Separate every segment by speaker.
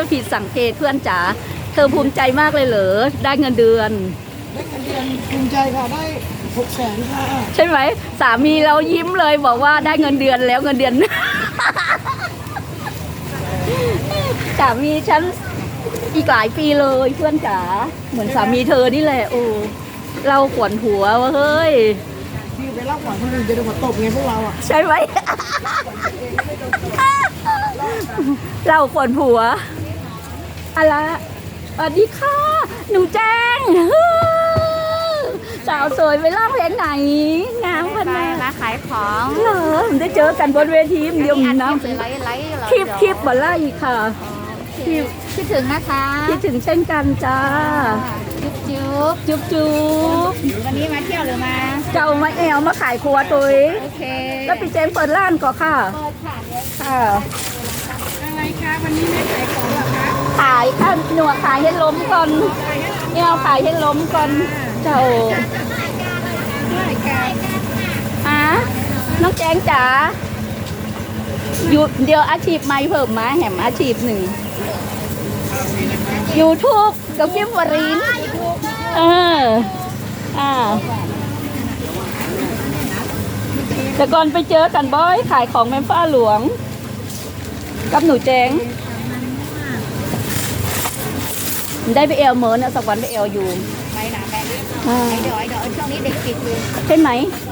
Speaker 1: ผิดสังเกตเพื่อนจ๋าเธอภูมิใจมากเลยเหรอได้เงินเดือน
Speaker 2: ได้เงินเดือนภูมิใจค่ะได้600,000ค่ะ
Speaker 1: ใช่ไหมสามีเรายิ้มเลยบอกว่าได้เงินเดือนแล้วเงินเดือน สามีฉันอีกหลายปีเลยเพื่อนจ๋าเหมือนสามีเธอนี่แหละโอ้เราขวนหัววะเฮ้ย
Speaker 2: ที่ไปเล่าก่อนคนอื่นจะโดนตบไงพวกเราอ่ะ
Speaker 1: ใช่ไหม เราขวนหัวอะไรสวัสดีค่ะหนูแจ้ง สาวสวยไปร้องเพลงไหนงามขนาด
Speaker 3: มาขายของ
Speaker 1: เหรอได้เจอกันบนเวทีเดียวนะคลิปบ่ไล่ค่ะ
Speaker 3: คิดถึงนะคะ
Speaker 1: คิดถึงเช่นกันจ้า
Speaker 3: จุ๊บ
Speaker 1: จุ๊บ
Speaker 3: วันนี้มาเที่ยวหรือมา
Speaker 1: เจ้ามาแอวมาขายครัวตัว
Speaker 3: โอเค
Speaker 1: แล้วพี่เจมเปิดร้านก่อนค่ะ
Speaker 3: เปิดค่ะ
Speaker 1: ค่ะ
Speaker 2: อะไรคะวันนี้ไม่ขายของหรอคะ
Speaker 1: ขายค่ะหนูขายให้ล้มก่อนเนี่ยขายให้ล้มก่อนเจ้าฮะน้องแจงจ๋าอยู่เดียวอาชีพใหม่เพิ่มมาแหมอาชีพหนึ่งYouTube กับกิมวรินแต่ก่อนไปเจอกันบ่อยขายของแม่ฟ้าหลวงกับหนูแจงได้ไปเอลเมิร์นะสักวันไปเอลอยู่
Speaker 3: ไปหนาแบงค์เดี๋ยวช่วงนี้เด็กปิดอยู่
Speaker 1: ใช่ไหม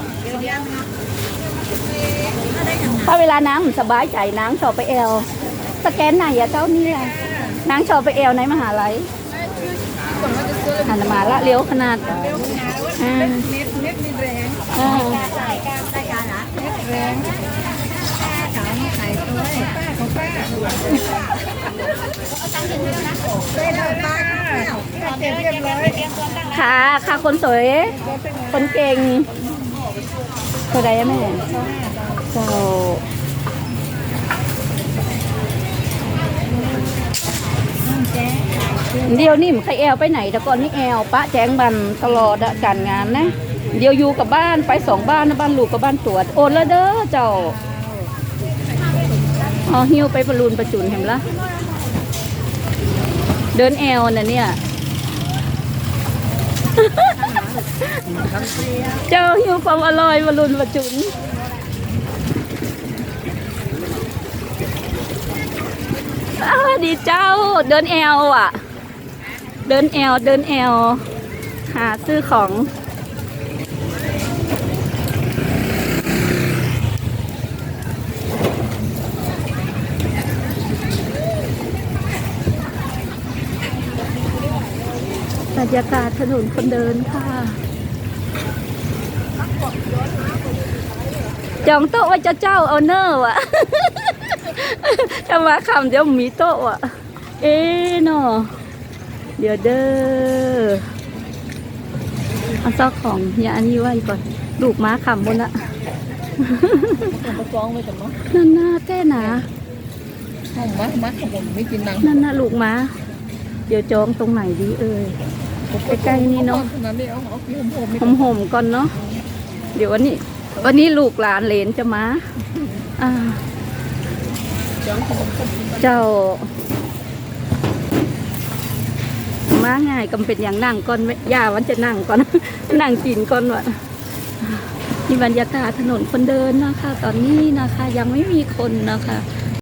Speaker 1: ถ้าเวลาน้ำสบายใจนางชอบไปเอลสแกนไหนอะเจ้านี่อะนางชอบไปเอลในมหาลัยหันมาละเลี้ยวขนาด
Speaker 2: เน็ตมีแรง
Speaker 3: ได้การนะ
Speaker 2: เน็ตแรงขาวมาขายตัวป้าของป้าได้แล้วป้าเรียบร้อย
Speaker 1: ค่ะคนสวยคนเก่งเท่าไรแม่เจ้าเดี๋ยวนี่มันใครแอลไปไหนแต่ก่อนนี่แอลปะแจ้งบันตลอดการงานนะเดี๋ยวอยู่กับบ้านไป2 บ้านนะบ้านลูกกับบ้านตรวจโอนแล้วเด้อเจ้าหิ้วไปบอลลูนประจุนเห็นละเดินแอลน่ะเนี่ยเจ้าหิ้วความอร่อยบอลลูนประจุนดีเจ้าเดินแอลอ่ะเดินแอลหาซื้อของบรรยากาศถนนคนเดินค่ะจองโต๊ะไว้เจ้าเอาเนอร์ว่ะ จะมาคำเดี๋ยวมีโต๊ะอ่ะเนาะเดี๋ยวเด้อเอาซอกของอย่าอันนี้ไว้ก่อนลูกม้าคำบนละนั่นน่าแก้หนา
Speaker 2: ม้าขบวนไม่กินนัง
Speaker 1: นั่นน่ะลูกม้าเดี๋ยวจองตรงไหนดีใกล้ๆนี่เนาะห่มก่อนเนาะเดี๋ยววันนี้ลูกหลานเหลนจะมาเจ้ามาง่ายกำเป็นอย่างนั่งก่อนย่าวันจะนั่งก่อน นั่งกินก่อนวะนี่บรรยากาศถนนคนเดินนะคะตอนนี้นะคะยังไม่มีคนนะคะ